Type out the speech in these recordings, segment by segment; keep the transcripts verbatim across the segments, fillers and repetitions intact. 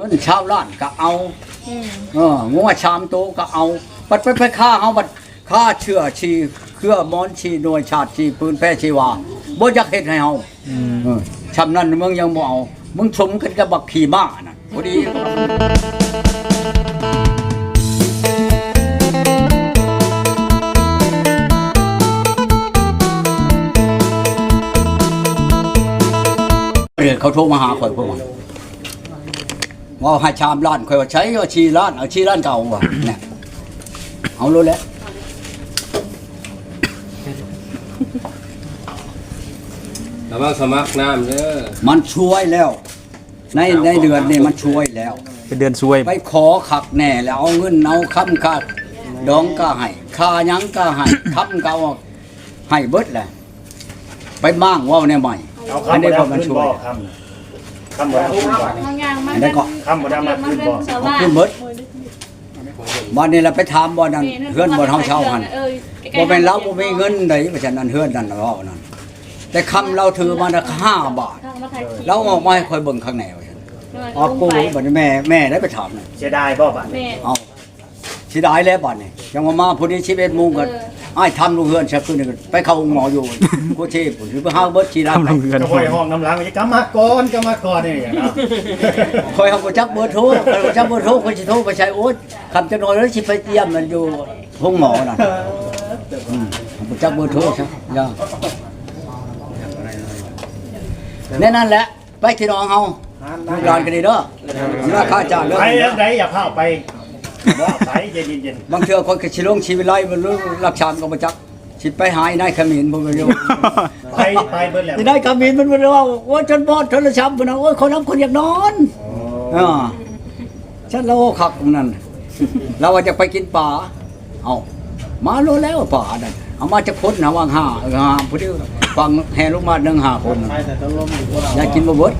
งินชาวล้านก็เอาเอองัวชามโตก็เอาบัดไปไปฆ่าเฮาบัดฆ่าเชื่อชีเครือมอนชีหน่วยชาติชีปืนแพร่ชีวาบ่อยากเฮ็ดให้เฮาเออชำนั้นมึงยังบ่เอามึงสมกันกับบักขี่ม้าน่ะพอดีเขาโทรมาหาข่อยพวกมันว่าให้ชามล้านข่อยว่าใช้ว่าชีล้านเอาชีล้านเก่าว่ะเนี่ยเอารู้แล้วระวังสมัครน้ำเด้อมันช่วยแล้วในในเดือนนี้มันช่วยแล้วเป็นเดือนช่วยไปขอขักแน่แล้วเอาเงินเอาค้ำค่าดองก็ให้ค่ายังก็ให้ค้ำก็ให้เบิดแหละไปมั่างว่าเนี่ยใหม่อันนี้ก็มันช่วยคำว่าขึ้นบ่อันนี้ก็คำว่ามาขึ้นบ่ขึ้นเบิดวันนี้เราไปถามบ่นั้นเฮือนบ่เฮาเช่าหั่นบ่แม่นเราบ่มีเงินไดเพราะฉะนั้นเฮือนนั่นเว้านั่นแต่คำเราถือมาละห้าบาทเราออกมาให้ค่อยเบิ่งข้างในว่าซั่นออกกูบัดนี้แม่แม่ได้ไปถามน่ะเสียดายบ่บัดเอาสิได้แล้วบัดนี้ยังว่ามาพุ่นนี้สิบเอ็ดโมงก็อ้ายทำลูกเฮือนซะคืนนึงไปเข้าหมออยู่กูเทพพุ่นสิไปหาเบิดสิได้ก็ค่อยห้องน้ำหลังกำมาก่อนกำมาก่อนนี่เนาะค่อยเฮาก็จักเบอร์โทรค่อยจักเบอร์โทรค่อยสิโทรไปใช้โอ๊ตคำจักหน่อยแล้วสิไปเยี่ยมมันอยู่ห้องหมอน่ะอืมบ่จักเบอร์โทรซะย่าแน่นั่นแหละไปที่น้องเฮาลูกหลานกันดีเด้อสิว่าค่าจ้างเด้อไปไดอย่าพาไปบ่ไปเย็นๆบางเทื่อคนก็สิลงชีวิตไล่บ่รู้รักชานก็บ่จักสิไปหายนายขมิ้นบ่รู้ไปไปเบิดแล้วนายขมิ้นมันบ่รู้ว่าโอ้จนบ่โทรศัพท์พุ่นน่ะโอ้ยคนนำคนอยากนอนอ๋อฉันเราคักนั่นเราว่าจะไปกินปลาเอ้ามาโลแล้วปลานั่นเอามาจากคนนะวางห้าเออห้าผู้เดียวฟังแห่ลงมาหนึ่งห้าคนอยากกินบ่เบิด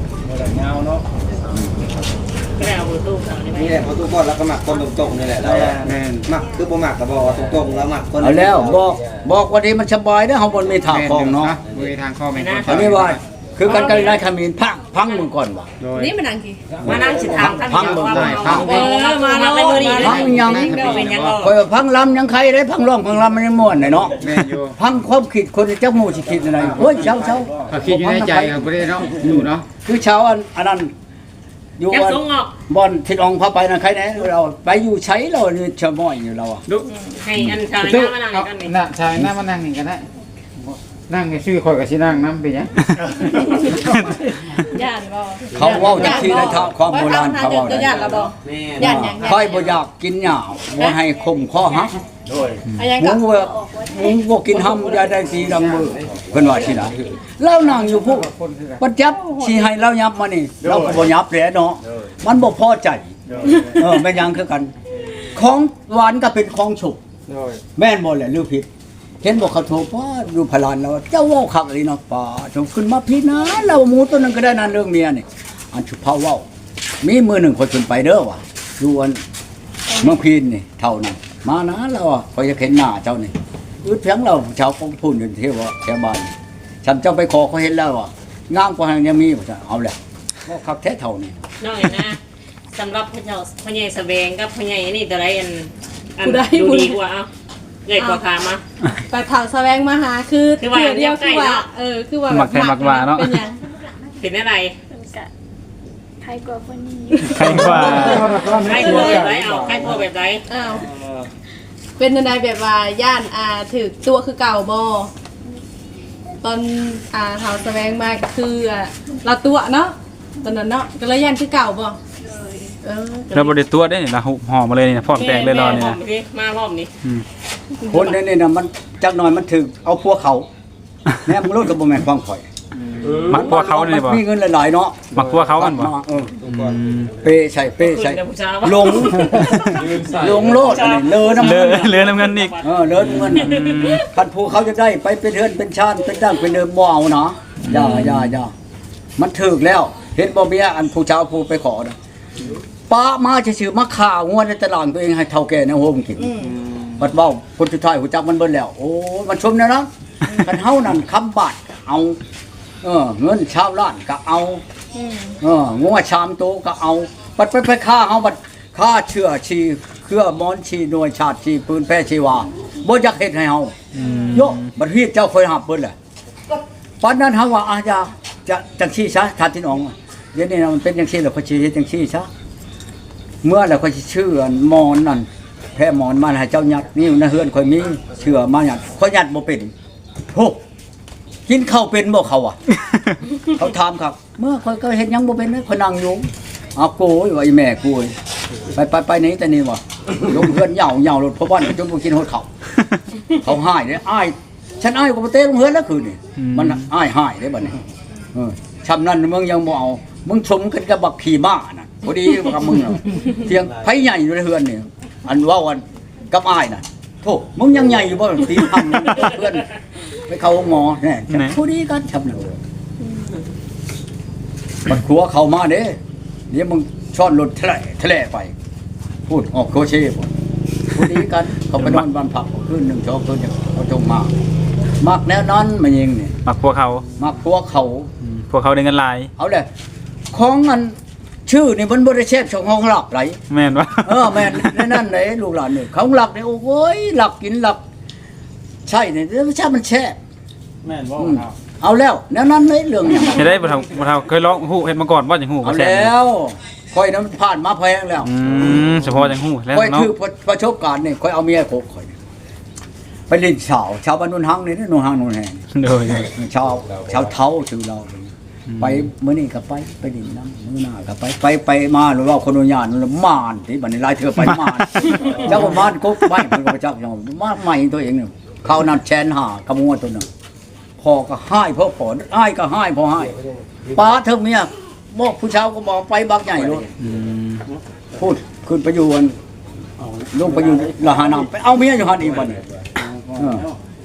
นี่แหละพอทุกคนแล้วก็หมักคนตรงๆนี่แหละแล้วหมักคือบ่หมักก็บอกตรงๆแล้วหมักคนเอาแล้วบอกบอกว่านี้มันสบายเด้อเฮาบ่มีทางคลองเนาะบ่มีทางคลองแม่นคนอันนี้ว่าคือกันกันได้ขมิ้นพังพังมึงก่อนว่ะนี่มันนั่งกี่มานั่งสิถามท่านพังมึงได้พังเออมาเราเป็นมื้อนี้พังยังเป็นยังข่อยพังลำยังใครได้พังร้องพังลำมันยังม่วนเนาะแม่นอยู่พังความคิดคนจักหมู่สิคิดอะไรโอ้ยเช้าๆก็คิดอยู่ในใจครับบ่ได้เนาะอยู่เนาะคือเช้าอันอันนั้นอยู่บ่อนที่น้องพาไปนั่นใครแน่เราไปอยู่ใช้เรานี่ชะม้อยอยู่เราอ่ะให้อันชาวนามานั่งกันนี่น่ะชายหน้ามานั่งนี่ก็ได้นั่งให้ชื่อข่อยก็สินั่งนำไปหยังย่านบ่เขาเว้าจักทีในทางความโบราณเขาเว้าได้ย่านละบ่ย่านหยังค่อยบ่อยากกินหญ้าบ่ให้คมคอหักโดยหมูว่าหมูบ่กินห้ำอย่าได้สีดังมือเพิ่นว่าสิได้เรานั่งอยู่พวกปัจจับสิให้เรายับมานี่เราก็บ่ยับแหละเนาะมันบ่พอใจเออแม่นยังคือกันของหวานก็เป็นของสุกแม่นบ่แหละหรือผิดเห็นบอกเขาโทรป้าดูพลานเราเจ้าว่าคักเลยเนาะป้าจงขึ้นมาพี่นะเราหมูตัวนึงก็ได้นานเรื่องเมียนี่อันชุบเผาว่ามีมือหนึ่งคนขึ้นไปเด้อว่ะดูอันเมืองพีนนี่เท่านั้นมานะเราอ่ะคอยจะเห็นหน้าเจ้านี่อึดเพียงเราชาวกองพูนอยู่ที่ว่าแถวบ้านฉันเจ้าไปขอเขาเห็นแล้วว่ะงามกว่ายังมีบ่เอาแหละก็คักแท้เท่านี้น้อยนะสำหรับพระเจ้าพระใหญ่แสวงกับพระใหญ่นี่ตัวใดอันอันดูดีกว่าเอ้าใหญ่กว่าขามาไปเผาแสวงมาหาคือคือว่าเดียวคือว่าเออคือว่ามักแท้มักว่าเนาะเป็นหยังเป็นอะไรใครกว่าคนนี้ใครกว่าใครกว่าแบบไหนเอาใครกว่าแบบไหนอ้าวเป็นในแบบว่าย่านอ่าถือตัวคือเก่าบ่ตอนอ่าเผาแสวงมาคืออ่าเราตัวเนาะตอนนั้นเนาะก็เลยย่านคือเก่าบ่เออเราบ่ได้ตัวได้นี่นะห่อมาเลยนี่พร้อมแตงเลยรอนี่นะมารอบนี้คนนี่น่ะมันจักหน่อยมันถึงเอาพวกเขาแม่มึงรู้กับบ่แม่นความข่อยมักพวกเขานี่บ่มีเงินหลายๆเนาะมักพวกเขามันบ่เออเป้ใส่เป้ใส่หลงหลงโลดอันนี้เลอน้ำเงินเลอน้ำเงินอีกเออเลอน้ำเงินคันผู้เขาจะได้ไปเป็นเฮือนเป็นชาติเป็นตั้งเป็นเดิมบ่เอาเนาะอย่าอย่าอย่ามันถึกแล้วเห็นบ่เมียอันผู้ชาวผู้ไปขอนะป้ามาชื่อๆมาข่าวงวดในตลาดตัวเองให้เฒ่าแก่ในโฮมกินบัดเว้าคนสุดท้ายฮู้จักมันเบิดแล้วโอ้มันชมแล้วเนาะคันเฮานั่นคำบาดเอาเออเงินชาวล้านก็เอาเอองัวชามโตก็เอาบัดไปไปฆ่าเฮาบัดฆ่าเชื่อชีเครือมอนชีหน่วยชาติชีปืนแพ้ชีวาบ่อยากเฮ็ดให้เฮาอืมโยบัดเฮ็ดเจ้าค่อยหับเบิ่นแหละปานนั้นเฮาว่าอาญาจะจังซี่ซะทานที่น้องเดี๋ยวนี้นะมันเป็นจังซี่แล้วค่อยสิเฮ็ดจังซี่ซะเมื่อแล้วค่อยสิชื่ออันมอนนั่นแพ้มอนมาให้เจ้ายัดนี่นะเฮือนค่อยมีเชื่อมายัดค่อยยัดบ่เป็นโหกินข้าวเป็นบ่เขาอ่ะ เขาถามครับ เมื่อค่อยก็เฮ็ดหยังบ่เป็นเลยค่อยนั่งอยู่เอาโกยว่าอีแม่กูยไปไปไปไหนแต่นี่วะลงเฮือนเหย่าเหย่ารถเพราะว่าจนบ่กินฮอดข้าวเขาหายเด้อ้ายฉันอ้ายก็บ่เตะลงเฮือนแล้วคืนนี่มันอ้ายหายเด้บัดนี้เออชำนั้นมึงยังบ่เอามึงชมกันกับบักขี่ม้าน่ะพอดีกับมึงเถียงไผใหญ่อยู่ในเฮือนนี่อันว่าวันกับอ้ายน่ะโธ่มึงยังใหญ่อยู่บ่ตีทำเพื่อนไปเข้าหมอแน่พอดีกันชำนั้นบัดขัวเข้ามาเด้เดี๋ยวมึงช้อนรถแถลแถลไปพูดออกโคเช่พูดพอดีกันเขาไปนอนบ้านพักคืนหนึ่งชอบคืนอย่างเขาจงมามักแนวนั้นมันยิงนี่มักพวกเขามักพวกเขาอืมพวกเขาได้เงินหลายเอาเลยของอันชื่อนี่มันบริเชฟช่องห้องหลักไรแม่นบ่เออแม่นนั่นไหนลูกหลานนี่ของหลักนี่โอ้ยหลักกินหลักใช่เนี่ยไม่ใช่มันแช่แม่นบ่อืมครับเอาแล้วแนวนั้นเลยเรื่องอย่างเฮ็ดได้บ่เท่าบ่เท่าเคยลองฮู้เฮ็ดมาก่อนบ่จังฮู้เอาว่าแซ่บแล้วค่อยนั้นผ่านมาแพงแล้วอืมเฉพาะจังฮู้แล้วค่อยเนาะถือประสบการณ์นี่ค่อยเอาเมียโคกค่อยไปเล่นสาวชาวบ้านนุ่นหังนี่นุ่นหังนุ่นแหงโดยชาวชาวเท้าชื่อเราไปเมื่อนี้ก็ไปไปดินน้ำมื้อหน้าก็ไปไปไปมาหรือว่าคนอนุญาตนั่นมานที่บัดนี้ลายเธอไปมานเจ้าก็มานก็ไปมันก็เจ้าอย่างมาใหม่ตัวเองเนี่ยเขานั่นแชนหากระมัวตัวนึงพอก็ให้พ่อผลอ้ายก็ให้พอให้ป้าเธอเมียบอกผู้ชาวก็บอกไปบักใหญ่เลยอืมพูดขึ้นไปอยู่วันลงไปอยู่ละหานามไปเอาเมียอยู่หันอีกบัดนี้เออ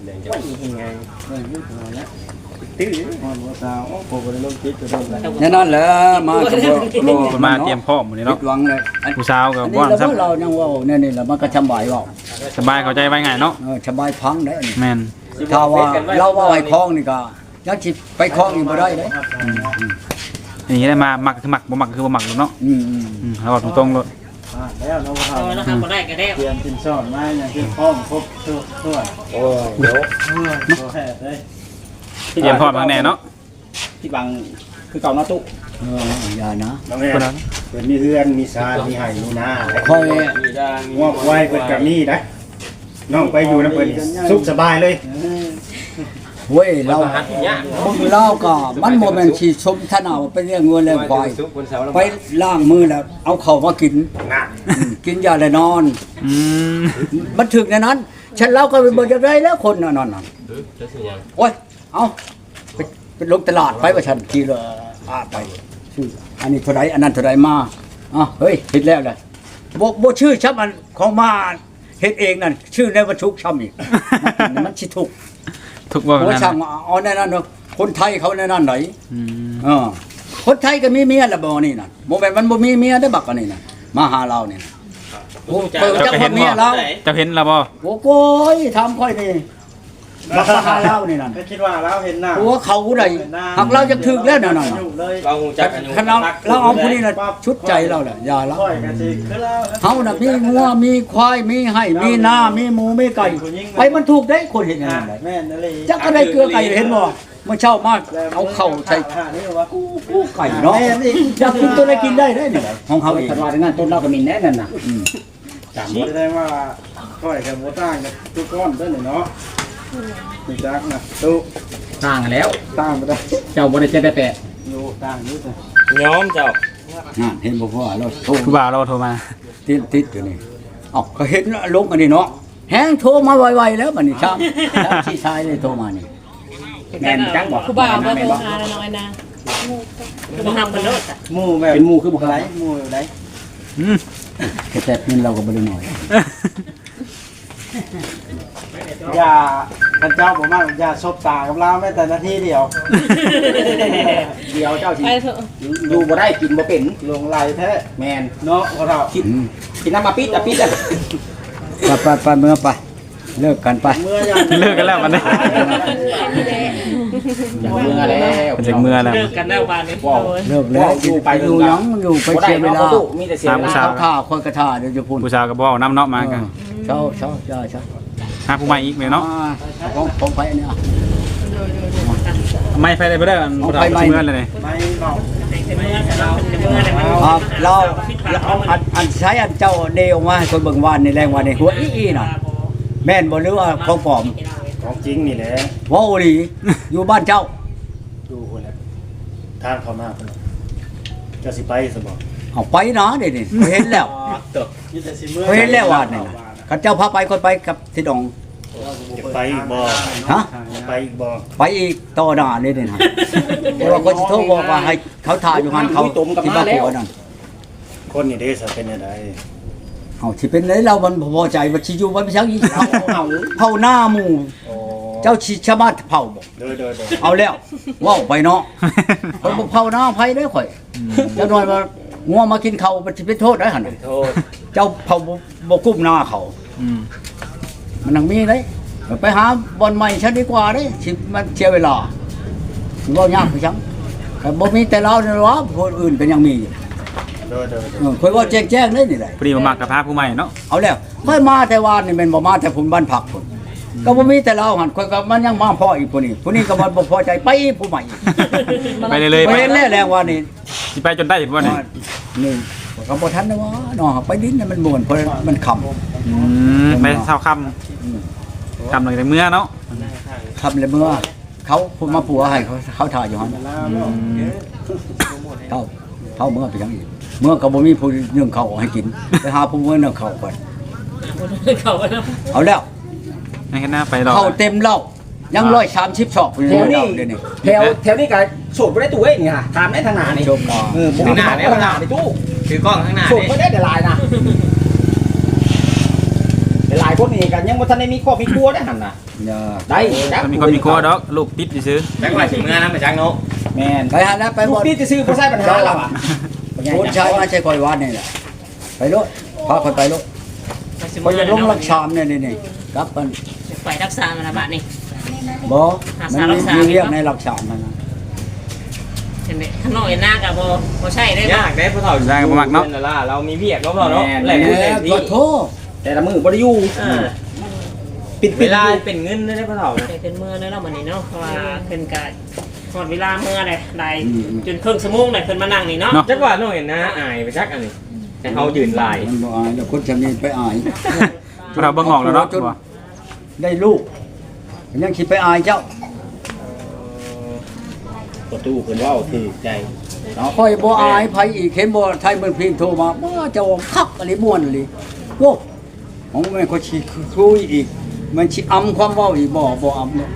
ตื้อมันบ่สาวโอ้โหบ่ได้ลงจิตก็โดนแล้วเนี่ยนั่นแหละมาก็บ่บ่คนมาเตรียมพร้อมหมดนี่ผิเนาะดหวังเลยอันผู้สาวก็อันบ่นี้ว่าเราซับเรายังว่าเนี่ยนี่แหละมันก็สบายเว่าสบายเข้าใจไว้ง่ายเนาะเออสบายพังได้อันนี้แม่นถ้าว่าเราว่าให้คล้องนี่ก็ยังสิไปคล้องอีกบ่ได้เด้อย่างนี้ได้มามักคือมักบ่มักคือบ่มักเนาะอืมอืมอืมเราบอกตรงๆเลยอ่าแล้วเราเอาแล้วครับบ่ได้ก็ได้เตรียมสินสอดมาอย่างที่พร้อมครบทุกทั่วโอ้ยเดี๋ยวโอเคเลยเตรียมพร้อมทางแน่เนาะที่บังคือเก่าเนาะตุเอออย่านะน้องแม่คนนั้นเป็นมีเรือนมีซานมีไห่มีนาค่อยงอกไว้เปิดกับนี่นะน้องไปอยู่น้ำเปิดสุขสบายเลยเว้ยเรามึงเล่าก็มันบ่แม่นสิชมทนาว่าเป็นเรื่องเงินเรื่องควายไปล้างมือแล้วเอาเข้ามากินนะอืมกินยาแล้วนอนอืมมันถึกในนั้น ฉันเล่าก็บ่จะได้แล้วคนน่ะนั่นน่ะโอ้ยเอาไปไปลงตลาดไปว่าฉันขี่เรืออ่าไปชื่ออันนี้เท่าไรอันนั้นเท่าไรมาอ่ะเฮ้ยผิดแล้วเลยบ่บ่ชื่อช้ำอันของมาเฮ็ดเองนั่นชื่อในวัตถุช้ำอีก มันสิถูกทุกว่าโอ้นั้นช่างเอาแน่นั่นเนาะคนไทยเขาแน่นั่นไหนอืมเออคนไทยก็มีเมียละบ่นี่น่ะบ่แม่นมันบ่มีเมียได้อบักอันนี้น่ะมาหาเรานี่น่ะโอ้เปิดจักว่าเมียเราเจ้าเห็นแล้วบ่โอ้โกยทำค่อยนี่มาหาเรานี่นั่นไม่คิดว่าเราเห็นหน้าหัวเขาได้หักเราจะถึกแล้วนั่นน่ะเลยเราหูจักกันอยู่คันเราเราเอาผู้นี้น่ะชุดใจเราแหละอย่าละค่อยกันสิคือเราเฮาน่ะมีงัวมีควายมีไห่มีนามีหมูมีไก่ไปมันถูกได้คนเห็นอย่างนั้นได้แม่นนั่นเลยจักก็ได้เกลือไก่เห็นบ่เมื่อเช้ามาเอาเข้าใส่นี่ว่ากู้ไก่เนาะอยากกินตัวไหนกินได้ได้นี่ของเขาเองคันว่าในงานต้นเราก็มีแน่นั่นน่ะอืมตามคิบ่ดได้ว่าค่อยกับโบต่างกับทุกก้อนด้วยเนาะมีจักนะตู้ต่างกันแล้วต่างไปได้เจ้าบ่ได้เจ็ดได้แปดอยู่ต่างอยู่แต่ย้อมเจ้านั่นเห็นบ่พ่อเราโทรผู้บ่าวเราโทรมาติดติดอยู่นี่เอ้าก็เห็นลงอันนี้เนาะแฮงโทรมาไวๆแล้วบัดนี้ช้ำช้ำที่ชายเลยโทรมานี่แม่นจังบ่ครูบ่าวบ่แม่นโทรบ่หาแล้วน้อยนะบ่ทำกันโลดอ่ะหมู่แบบเป็นหมู่คือบ่ไรไรหมู่ไรอืมแต่เงินเราก็บ่ได้น้อยอย่าท่านเจ้าบอกมากอย่าซบตากับเราแม้แต่นาทีเดียวเดียวเจ้าสิไปเถอะอยู่บ่ได้กินบ่เป็นลงไหลแท้แม่นเนาะพอเราอืมกินน้ำมาปิดอ่ะปิดอ่ะไปไปไปเมื่อไปเลิกกันไปเมื่อยังเลิกกันแล้วมันได้อย่าเมื่อแล้วมันจากเมื่อแล้วเลิกกันแล้วบานนี้ว้าวเลิกแล้วอยู่ไปอยู่หยังอยู่ไปเสียเวลามีแต่เสียเวสาลาวท่าคนกระท่าเดี๋ยวจะพูดผู้ชายก็บอกน้ำเนาะมากันเช้าเช้าเช้าเช้าหาผู้ใหม่อีกไหมเนาะของของไปเนี่ยไม่ไปได้บ่ได้มันบ่ได้เมื่อเลยนี่ไม่เมาครับเราเราอันอันใช้อันเจ้าเดออกมาให้คนเบิ่งวานในแรงวานในหัวอีๆน่ะแม่นบ่หรือว่าของปลอมของจริงนี่แหละว้าวดีอยู่บ้านเจ้าดูคนละทางเขามาคนจะสิไปสบอกเอาไปนะเดี๋ยวนี้เห็นแล้วนี่แต่สิเมื่อเห็นแล้ววานนี่น่ะข้าเจ้าพาไปคนไปกับทิดองจะไปอีกบ่ฮะจะไปอีกบ่ไปอีกต่อหน้าเลยนี่นะเพราะว่าคนสิโทรบอกว่าให้เขาถ่ายอยู่หันเขาที่บ้านผัวนั่นคนนี่เด้สิเป็นยังไงเอาสิเป็นเลยเรามันบ่พอใจว่าสิอยู่บ่มีชักอีกเอาเอาเผาหน้าหมู่โอ้เจ้าชิชาวบ้านเผาบ่เด้อเด้อเด้อเอาแล้วว้าวไปเนาะคนบ่เผาหน้าไผเด้อข่อยเจ้าน้อยว่างัวมากินข้าวมันสิเป็นโทษได้หั่นโทษเจ้าเผาบ่บ่กุ้มหน้าเขาอืมมันนังมีเลยไปหาบ่อนใหม่ซะดีกว่าเด้สิมันเสียเวลาบ่ยากคือจังก็บ่มีแต่เราเนี่ยหรอคนอื่นก็ยังมีอยู่เด้อเด้อเด้อเออข่อยว่าแจ้งๆเลยนี่แหละพอดีมามักกับพาผู้ใหม่เนาะเอาแล้วค่อยมาแต่วานนี่แม่นบ่มาแต่พุ่นบ้านผักพุ่นก็บ่มีแต่เราหั่นข่อยก็มันยังมาพ่ออีกผู้นี้ผู้นี้ก็มันบ่พอใจไปอีกผู้ใหม่อีกไปเลยเลยไปเห็นแล้วแรงว่านี่สิไปจนได้บ่นี่นี่ก็บ่ทันนะว่าเนาะไปดินน่ะมันม่วนเพราะมันค่ำอืมไปเช้าค่ำค่ำหลังจากเมื่อเนาะค่ำแล้วเมื่อเขาพูดมาปัวให้เขาเขาถ่ายอยู่หั่นอืมเขาเขาเมื่อไปจังอีกเมื่อก็บ่มีผู้นึ่งข้าวให้กินไปหาผู้มื้อนึ่งข้าวก่อนเขาว่าเอาแล้วให้หน้าไปรอข้าวเต็มเหล้ายังร้อยสามสิบชอกอยู่แถวในนี้เหล้าเดี๋ยวนี้แถวแถวนี้ก็โสดบ่ได้ตู้เอ้ยนี่ฮะถามได้ทางหน้านี่ชมก่อนเออผมถามได้ทางหน้านี่ตู้ถือกล้องข้างหน้าโสดนี่บ่ได้แต่ลายนะแต่หลายคนนี่ก็ยังบ่ทันได้มีครอบมีครัวได้หั่นน่ะอย่าได้จักมีคนมีครัวดอกลูกติดซื้อจังหวะสิเมื่อนะมาจังเนาะแม่นไปหาแล้วไปลูบ่กนี่จะซื้อบ่ใช่ปัญหาเราอ่ะคนชายมาใช่คอยวัดนี่แหละไปโลดพาคนไปโลดคนจะลงรักชามเนี่ยนี่ๆครับมันไปรักษามาละบาทนี่บ่มันมีเรียกในรักชามนั่นนะเห็นไหมข้างนอกเห็นหน้ากับโบโบใช่ได้ยากได้ผู้เฒ่าเรามีเวียกเนาะเนาะแหล่งแหเงินแหล่งมที่ก็โทษแต่ละมือบ่ได้อยู่เออปิดเวปิดลาเป็นเงินได้ผู้เฒ่าไปเป็นเมื่อแล้วเนาะวันนี้เนาะเพราะว่าเป็นการหมดเวลาเมื่อเลยได้จนครึ่งชั่วโมงเลยเพิ่นมานั่งนี่เนาะจักว่าน้องเห็นนะอายไปจักอันนี้แต่เฮายืนลายมันบ่อายแล้วคนจะมีไปอายเราเบิ่งออกแล้วเนาะว่าได้ลูกยังคิดไปอายเจ้าประตูเพิ่นเว้าถือใจค่อยบ่อายไผอีกเห็นบ่ไทยเมืองพิมพ์โทรมาบ่เจ้าคักอะไรม่วนเลยโว้ของแม่นก็สิคุยอีกมันสิอำความเว้าอีกบ่บ่อำเนาะ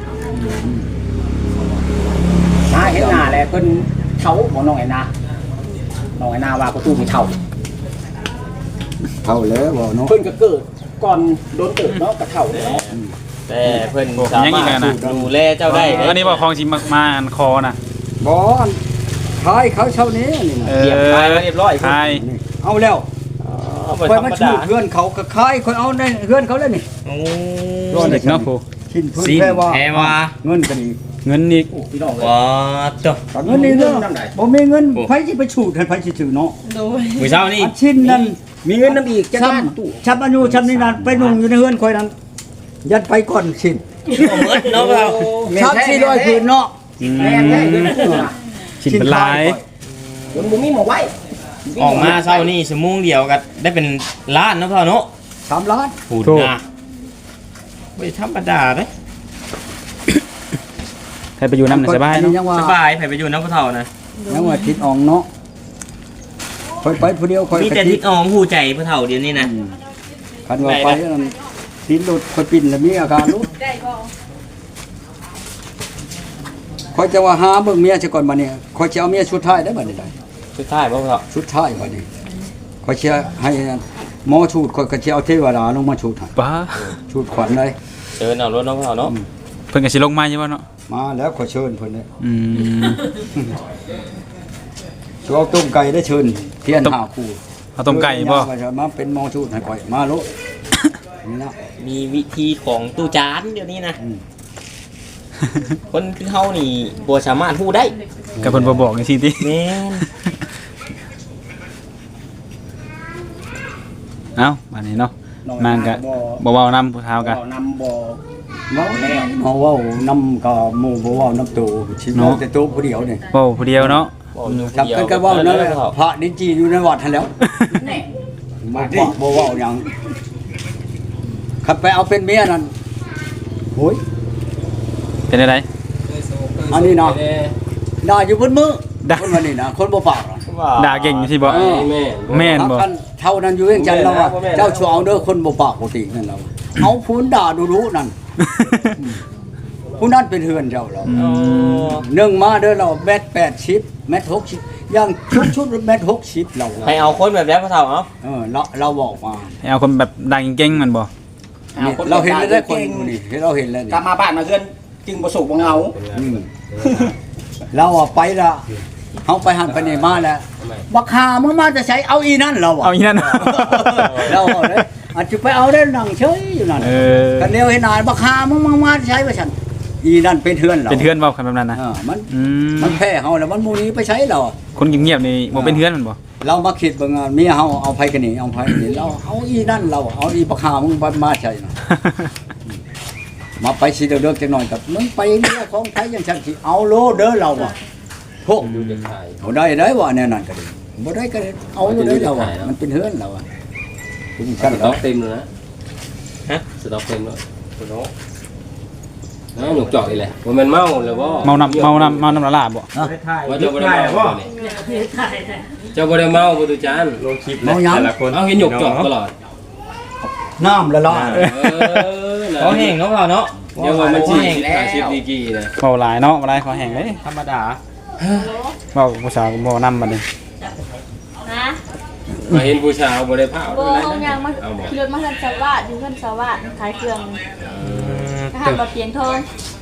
นาเห็นหน้าแล้วเพิ่นเฒ่าบ่น้องไอ้นาน้องไอ้นาว่าประตูมีเฒ่าเท่าแล้วบ่เนาะเพิ่นก็เกิดก่อนโดนเกิดเนาะก็เฒ่าแล้วแต่เพิ่นสามารถดูแลเจ้าได้อันนี้บ่คลองสิมามาอันคอน่ะบ่อันขายเขาเช่านี้นี่นะเอเรียบร้อยเรียบร้อยใช่นี่เอาแล้วบ่คอยธรรมามดาชูดเพื่อนเขาก็ขายคอยเอาในเพื่อนเขาแล้วนี่โอ้เด็กเนาะผู้ชิ้นพื้นสิแพรว่าแพรว่าเงินก็ดีเงินอีกพี่น้องเอ้ยว้าจ้ะก็เงินนี่เนาะน้ำใดบ่มีเงินไผสิไปชูดให้ไผสิถือเนาะโดยมื้อเช้านี่อันชิ้นนั้นมีเงินน้ำอีกจังช้บ้านตู้ำช้ำอายุช้ำนี่นั่นไปนุ่งอยู่ในเฮือนคอยนั้นยัดไปก่อนชิ้นบ่หมดเนาะเราช้ำสี่ร้อยคืนเนาะอืมแม่นแท้เงินตู้น่ะชิ้นเป็นหลายเงินบ่มีหมองไว้ออกมาเช้านี่ชั่วโมงเดียวก็ได้เป็นล้านเนาะพ่อเนาะสามล้านพูดนะไม่ธรรมดาเด้ใครไปอยู่น้ำหนึ่งสบายอันเนาะนี้ยังว่าสบายไปไปอยู่น้ำผู้เฒ่านะยังว่าทิศอองเนาะคอยไปผู้เดียวคอยมีกระแต่ติทิศออมผู้ใจผู้เฒ่าเดี๋ยวนี้นะอืมคันว่าไปนั่นทิศรถคอยปิ่นแล้วมีอาการลุกได้บ่คอยจะว่าหาเบิ่งเมียซะก่อนบัดนี้คอยจะเอาเมียชุดท้ายได้บัดนี้ได้สุดท้ายบ่ผู้เฒ่าชุดท้ายบัดนี้คอยจะให้หมอชูดคอยก็จะเอาเทวดาลงมาชูดให้ป้าชูดขวัญเลยเชิญเอารถน้องผู้เฒ่าเนาะเพิ่นก็สิลงมาอยู่บ่เนาะมาแล้วขอเชิญเพิ่นเลยอืมชูเอาต้มไก่ได้เชิญเทียนหาคู่เอาต้มไก่บ่มาเป็นหมอชูดให้ข่อยมาโลดนี่นะมีวิธีของตู้จานเดี๋ยวนี้นะอืมคนคือเฮานี่บ่สามารถฮู้ได้กับเพิ่นบ่บอกจังซี่ติแม่นเอ้าบัดนี้เนาะน้องมันก็บ่เว้านำผู้เฒ่าก็บ่นำบ่เว้าแล้วเฮาเว้านํก็หมู่บ่เว้านํตู่สิเว้าแต่ตู่ผู้เดียวนี่เว้าผู้เดียวเนาะบอกอยู่จับผู้เดียวกันก็เว้านั่นแหละพระนิจีอยู่ในวัดหั่นแล้วแน่บ่บ่บ่เว้าหยังขับไปเอาเป็นเมียนั่นโอ้ยเป็นอะไรอันนี้เนาะด่าอยู่บนมือด่าคนวันนี้นะคนบ่ปากหรอกด่าเก่งสิบ่เออแม่แม่นบ่ถ้าคันเท่านั้นอยู่เวียงจันทน์เราว่าเจ้าชัวเอาเด้อคนบ่ปากปกตินั่นเราเอาพูนด่าดูรู้นั่นผู้นั้นเป็นเฮือนเจ้าเราอืมหนึ่งมาเด้อเราแมตรแปดสิบแมตรหกสิบอย่างชุดชุดแมตรหกสิบเราให้เอาคนแบบนี้พ่อเฒ่าเนาะเออเราเราบอกมาให้เอาคนแบบดังเก่งๆมันบ่นี่เราเห็นแล้วได้คนอยู่นี่เห็นเราเห็นแล้วนี่กลับมาบ้านมาเฮือนจึงบ่สุขบ่เหงาอืมเราอะไปละเขาไปหันไปนี่มาแล้วบักหามึงมาจะใช้เอาอีนั่นเราอะเอาอีนั่นเราเอาเลยอาจจะไปเอาได้นั่งเฉยอยู่นั่นเออกันเดียวให้นายบักหามึงมามาใช้ไปฉันอีนั่นเป็นเทือนเราเป็นเพื่อนเว้ากันแบบนั้นนะเออมันอืมมันแพ้เฮาแล้วมันหมูนี้ไปใช้เราคนเงียบๆนี่บ่เป็นเพื่อนมันบ่เรามาคิดบางงานเมียเฮาเอาไผกันนี่เอาไผกันนี่เราเอาอีนั่นเราเอาอีบักหามึงมาใช้นะมาไปสิเดือกๆจังหน่อยกับมึงไปเรื่องของไผอย่างฉันสิเอาโลเด้อเราอะพวกอยู่ในไทยเอาได้ได้ว่าแน่นอนก็ดีบ่ได้ก็ได้เอาอยู่ได้เราอะมันเป็นเฮือนเราอะถึงสขั้นต็เราอกเต็มเลยนะฮะสต็อกเต็มแล้วสต็อกน้าหนุกจอกอีกแหละว่ามันเมาหรือว่าเมานำเมานำเมานำละลาบบ่ว่าเจ้าบ่ได้เมาเจ้าบ่ได้เมาบ่ตุจานลงคลิปเมาหยังเอาเห็นหยกจอกตลอดน้ำละลายเออเขาแห้งเนาะพ่อเนาะเดี๋ยวว่ามันสิอาชีพดีกี่นะเว้าหลายเนาะบ่ได้ขอแห้งเด้ธรรมดาเว้าผู้สาวบ่นำบัดนี้นะมาเห็นผู้ชายบ่ได้ผ้าโบเขายังมาเอาบ่ขี่รถมาเฮือนสวัสดิ์อยู่เฮือนสวัสดิ์ขายเครื่องอาหารบะเปียงทองเ